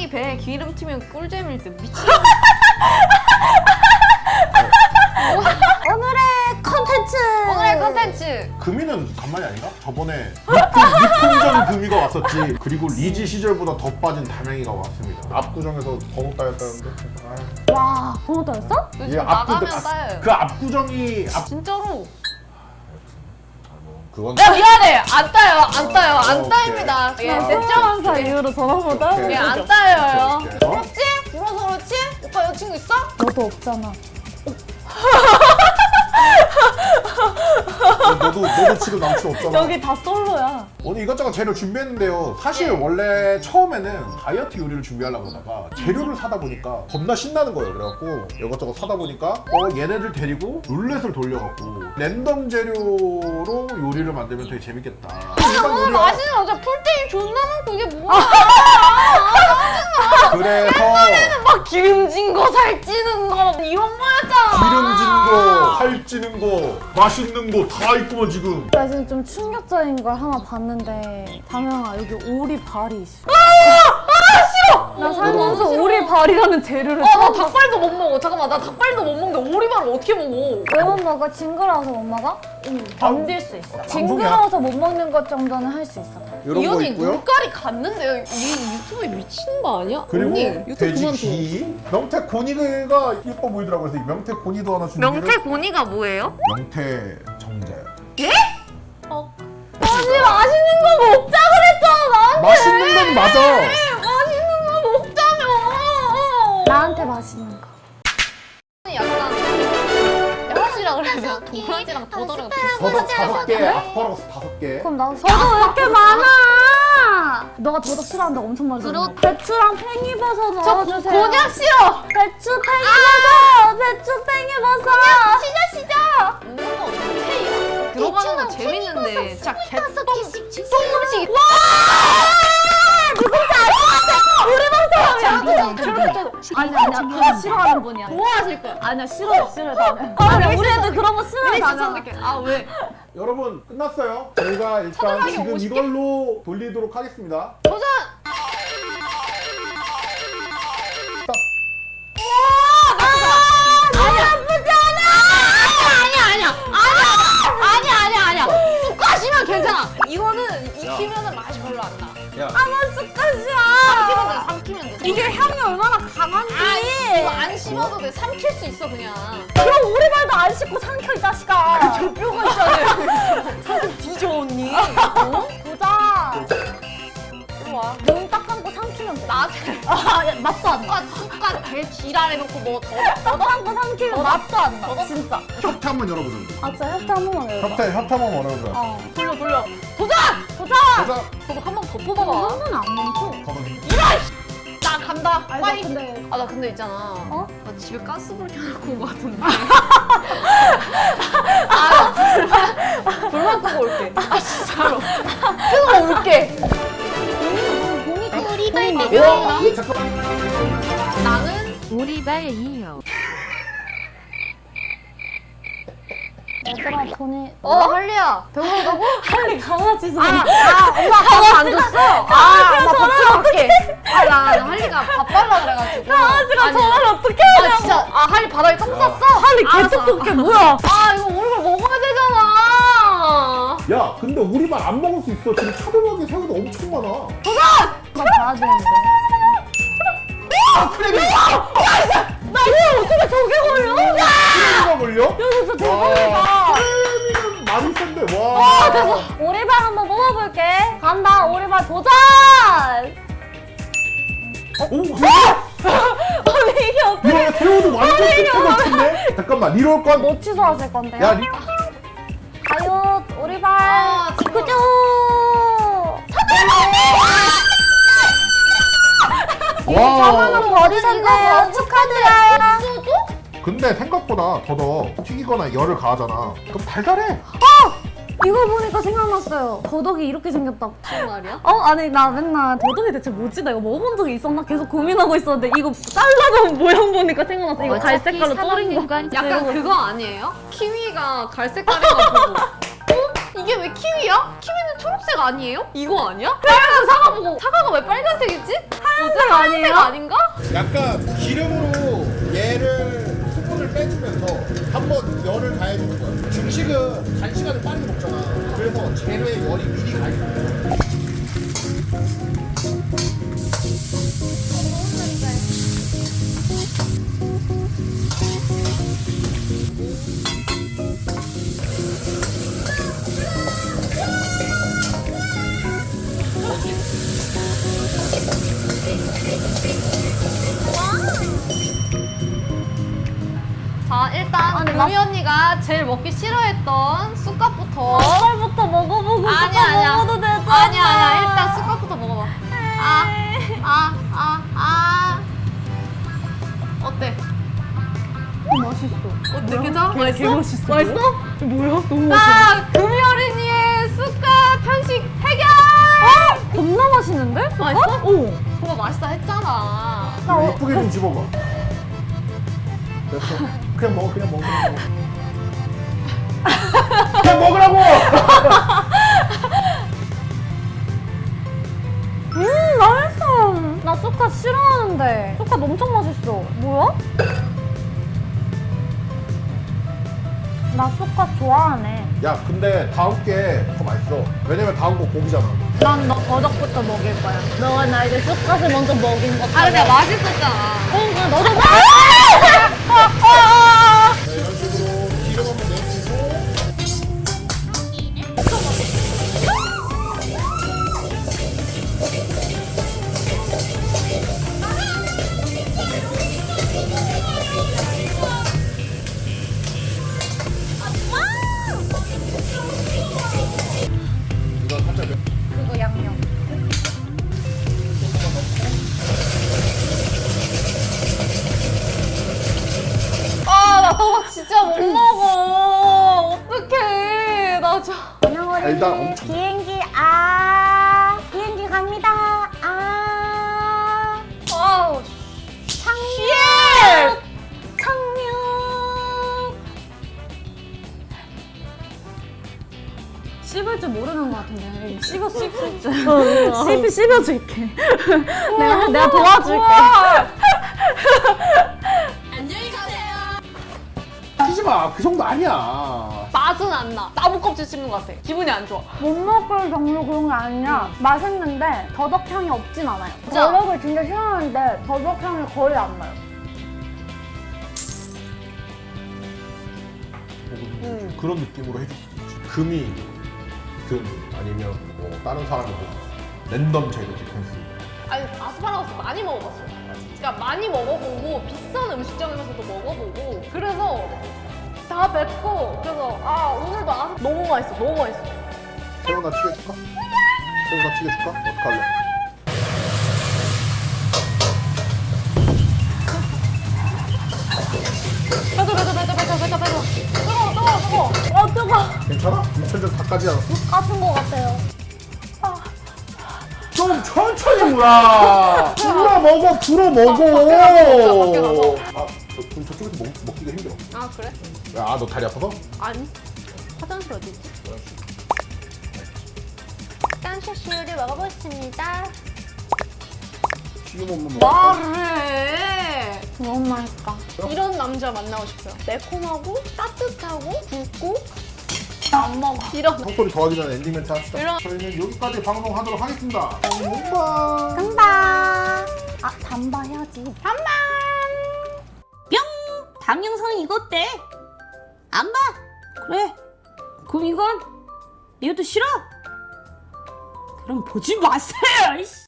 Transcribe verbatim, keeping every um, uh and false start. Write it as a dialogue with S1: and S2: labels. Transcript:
S1: 고기 배에 기름 튀면 꿀잼일 듯. 미친.
S2: 오늘의 컨텐츠!
S1: 오늘의 컨텐츠!
S3: 금이는 간만이 아닌가? 저번에 육풍전 금이가 왔었지. 그리고 리지 시절보다 더 빠진 담양이가 왔습니다. 압구정에서 번호 따였다는데. 아.
S2: 와, 번호 따였어?
S1: 요즘 나가면 따여요.
S3: 그 압구정이 압...
S1: 진짜로.
S3: 그건
S1: 야 미안해. 안 따요. 안 따요. 안
S3: 오케이.
S1: 따입니다. 예,
S2: 나
S1: 됐죠?
S2: 수영한 사 이후로 전화번호 따는
S1: 예,
S2: 거
S1: 안 따여요.
S3: 오케이, 오케이. 어?
S1: 그렇지? 울어서 그렇지? 오빠 여자친구 있어?
S2: 너도 없잖아.
S3: 너도 너도 지금 남친 없잖아.
S2: 여기 다 솔로야.
S3: 오늘 이것저것 재료 준비했는데요. 사실 원래 처음에는 다이어트 요리를 준비하려고 하다가 재료를 사다 보니까 겁나 신나는 거예요. 그래갖고 이것저것 사다 보니까 어 얘네들 데리고 룰렛을 돌려갖고 랜덤 재료로 요리를 만들면 되게 재밌겠다. 일반
S1: 오늘
S3: 요리가-
S1: 맛있는 여자 풀떼기 존나 많고 이게 뭐야?
S3: 그래서
S1: 막 기름진 거 살찌는 거 이런 거였잖아.
S3: 기름진 거, 살찌는 거, 맛있는 거 다 있구만 지금.
S2: 나 지금 좀 충격적인 걸 하나 봤는데 담양아 여기 오리발이 있어. 나 살면서
S1: 너무 싫어.
S2: 오리발이라는 재료를
S1: 어, 나
S2: 처음 봤어.
S1: 닭발도 못 먹어. 잠깐만, 나 닭발도 못 먹는데 오리발을 어떻게 먹어?
S2: 왜 못 먹어? 징그러워서 못 먹어? 응, 견딜 수 있어.
S3: 방송이야.
S2: 징그러워서 못 먹는 것 정도는 할 수 있어.
S3: 이런
S1: 이
S3: 거
S1: 언니
S3: 있고요.
S1: 눈깔이 갔는데요. 이 유튜브에 미친 거 아니야?
S3: 그리고
S1: 언니 유튜브
S3: 돼지
S1: 그만둬.
S3: 기 명태 고니가 예뻐 보이더라고요. 그래서 이 명태 고니도 하나 준비를.
S1: 명태 고니가 뭐예요?
S3: 명태 정자요.
S1: 어.
S2: 언니 맛있는 거 먹자 그랬잖아 나한테.
S3: 맛있는 건 맞아.
S1: 맛있는 거 먹자며.
S2: 나한테 맛있는 거.
S1: 약간 야시라 그래서 도라지랑 더더랑
S3: 더덕 다섯 개, 아스파라거스 다섯 개.
S2: 그럼 나도 저도 왜 이렇게 많아? 너가 더덕 싫어한다고 엄청 말했잖아. 배추랑 팽이버섯 넣어주세요.
S1: 곤약 싫어.
S2: 배추 팽이버섯. 배추 팽이버섯.
S1: 시저 시저. 먹는 거 오케이야. 들어가는 건 재밌는데 진짜 개똥 똥 음식. 와!
S2: 누군지 알 것 같아. 우리 방송이야. 아니 아니야. 그거 싫어하는 분이야.
S1: 좋아하실 거야.
S2: 아니야 싫어 싫어 나는. 아니 우리 애들 그런 거 싫어해
S1: 미리
S2: 나는.
S1: 추천할게. 아 왜?
S3: 여러분 끝났어요. 저희가 일단
S1: 차분하게
S3: 지금
S1: 오십 개?
S3: 이걸로 돌리도록 하겠습니다.
S1: 도전!
S3: 딱.
S1: 아니 아프지 않아! 아니야 아니야 아니야 아니야 아니야 아니야 쑥갓이면 괜찮아. 이거는 익히면은 맛이 별로 안 나.
S3: 야.
S2: 아무 습관이야.
S1: 삼키면 돼 삼키면 돼.
S2: 이게 향이 얼마나 강한지.
S1: 아, 이거 안 씹어도 돼. 삼킬 수 있어 그냥.
S2: 그럼 오리발도 안 씻고 삼켜 이 자식아.
S1: 저 뼈가 있잖아요. 사실 뒤져 언니. 어?
S2: 보자.
S1: 이리 와.
S2: 눈 딱 감고 삼키면 돼.
S1: 나한테
S2: 아, 야, 맛도 안 나.
S1: 쑥갓 쑥갓 개 지랄해놓고 뭐 더.
S2: 딱 감고 삼키면 맛도 안 나. 진짜.
S3: 협회 한번 열어보자.
S2: 아 진짜 협회 한 번만 열어봐.
S3: 협회 협회 한번 열어보자.
S2: 어.
S1: 돌려 돌려. 도전!
S2: 보자.
S3: 보자.
S1: 저도 한 번 더
S2: 한
S1: 뽑아봐.
S2: 번은 안 멈춰.
S3: 더덕이.
S1: 나 간다.
S2: 아니
S1: 빨리.
S2: 나 근데
S1: 아 나 근데 있잖아.
S2: 어?
S1: 나 집에 가스불 켜놓고 온 거 같은데. 아, 불만 끄고 올게. 아 진짜로. 끄고 올게.
S2: 오리발
S3: 와, 이거 잠깐.
S1: 나는
S4: 오리발 이요.
S2: 얘들아 돈이
S1: 어 할리야. 배고프다고?
S2: 빨리 강아지 좀.
S1: 아, 아 엄마 밥 안 줬어. 아 엄마 밥 줄게. 아나 나 할리가 밥 달라 그래가지고.
S2: 강아지가
S1: 아니,
S2: 전화를 어떻게
S1: 아
S2: 하냐고.
S1: 진짜 아 할리 바닥에 똥 쌌어?
S2: 할리
S1: 알았어.
S2: 개떡볶이 뭐야?
S1: 아 이거 오늘 먹어야 되잖아.
S3: 야, 근데 우리 말 안 먹을 수 있어. 지금 차돌박이 새우도 엄청 많아.
S2: 나 봐야 되는데.
S3: 아, 크래비.
S2: 나 이거 어떻게 저게 걸려?
S3: 크래비가 걸려?
S2: 야 진짜 대박이다.
S3: 크래비는 많이 센데. 와.
S2: 오리발 한번 뽑아볼게. 간다 오리발 도전.
S3: 오,
S2: 아니 이게 어떻게?
S3: 야, 새우도 완전 끝에 같은데? 잠깐만, 리롤 건.
S2: 뭐 취소하실 건데요?
S3: 야, 리...
S2: 가요 오리발.
S1: 아, 지금.
S2: 그죠?
S3: 와.
S2: 저분은 버리셨네요. 축하드려요.
S3: 근데 생각보다 더더 튀기거나 열을 가하잖아. 그럼 달달해.
S2: 이거 보니까 생각났어요. 더덕이 이렇게 생겼다고.
S1: 무슨 말이야?
S2: 어? 아니 나 맨날 더덕이 대체 뭐지? 나 이거 먹어본 적이 있었나? 계속 고민하고 있었는데 이거 잘라놓은 모양 보니까 생각났어. 이거 갈색깔로 떠린 거.
S1: 약간 그거 아니에요? 키위가 갈색깔이가 보고 이게 왜 키위야? 키위는 초록색 아니에요? 이거 아니야? 빨간 사과 보고 사과가 왜 빨간색이지? 하얀색 아니에요? 아닌가?
S3: 약간 기름으로 얘를 수분을 빼주면서 한번 열을 가해주는 거야. 중식은 단시간을 빠르게 먹잖아. 그래서 재료에 열이 미리 가 있어.
S1: 자 일단
S2: 아니,
S1: 금이 언니가 제일 먹기 싫어했던 쑥갓부터
S2: 쌀부터 먹어보고
S1: 아니야
S2: 쑥갓
S1: 아니야
S2: 먹어도 되잖아.
S1: 아니야 아니야 일단 쑥갓부터 먹어봐. 아 아 아 아 어때?
S2: 맛있어.
S1: 어때 괜찮아? 맛있어?
S2: 맛있어.
S1: 맛있어?
S2: 뭐야? 너무
S1: 자 금이 어린이의 쑥갓 편식 해결!
S2: 겁나 맛있는데?
S1: 맛있어?
S2: 오.
S1: 그거 맛있다 했잖아.
S2: 나 어,
S3: 예쁘게 좀 집어봐. 됐어. 그냥 먹어, 그냥 먹어. 그냥 먹어. 그냥 먹으라고!
S2: 음 맛있어. 나 쑥갓 싫어하는데 쑥갓 엄청 맛있어. 뭐야? 나 쑥갓 좋아하네.
S3: 야, 근데 다음 게 더 맛있어. 왜냐면 다음 거 고기잖아.
S2: 난 너 버덕부터 먹일 거야. 너가 나 이제 쑥갓을 먼저 먹인 것
S1: 아 근데 맛있었잖아.
S2: 그러니까 너도 먹
S3: 자, 이런 식으로 기름 한번 내주고. 이거 살짝 몇
S2: 그거 양념.
S1: 아 나 저거 진짜 못 먹어. 어떡해. 나 저.
S3: 달달 엄청.
S2: 비행기 아 비행기 갑니다. 아
S1: 아우.
S2: 착륙 착륙. 씹을 줄 모르는 것 같은데 씹어 씹을 줄. 씹 씹어줄게. 내가 내가 도와줄게.
S3: 치지 마. 그 정도 아니야.
S1: 맛은 안 나. 나무 껍질 씹는 것 같아. 기분이 안 좋아.
S2: 못 먹을 정도 그런 게 아니라 맛있는데 더덕향이 없진 않아요.
S1: 진짜?
S2: 더덕을 진짜 싫어하는데 더덕향이 거의 안 나요.
S3: 좀 그런 느낌으로 해줄 수도 있지. 금이 금 아니면 뭐 다른 사람이 뭐 랜덤 재료 디펜스.
S1: 아니 아스파라거스 많이 먹어봤어. 그러니까 많이 먹어보고 비싼 음식점에서도 먹어보고 그래서 다 맵고 그래서 아 오늘도 아 너무 맛있어. 너무 맛있어.
S3: 새우 나 튀겨줄까? 새우 나 튀겨줄까? 어떡할래?
S1: 빼줘 빼줘 빼줘 빼줘 빼줘 빼줘. 뜨거워 뜨거워 뜨거워.
S2: 어 뜨거.
S3: 괜찮아? 육천점 다 까지 않았어?
S2: 까진 것 같아요.
S3: 좀 천천히 물어. 불어 먹어, 불어 먹어.
S1: 밖에 가서, 밖에
S3: 아, 저, 그럼 저쪽에서 먹, 먹기가 힘들어.
S1: 아 그래?
S3: 아, 너 다리 아파서?
S1: 아니 화장실 어디 있지? 깐쇼슈를 먹어보겠습니다.
S3: 지금 없는 거.
S1: 말을 해.
S2: 너무 맛있다.
S1: 이런 남자 만나고 싶어요. 매콤하고 따뜻하고 굵고 안 먹어. 이런.
S3: 헛소리 더 하기 전에 엔딩 멘트 합시다.
S1: 이런-
S3: 저희는 여기까지 방송하도록 하겠습니다. 엉망.
S2: 단바. 아 단바 해야지.
S1: 한방.
S4: 뿅! 다음 영상은 이거 어때? 안 봐? 그래. 그럼 이건? 이것도 싫어? 그럼 보지 마세요! 이씨.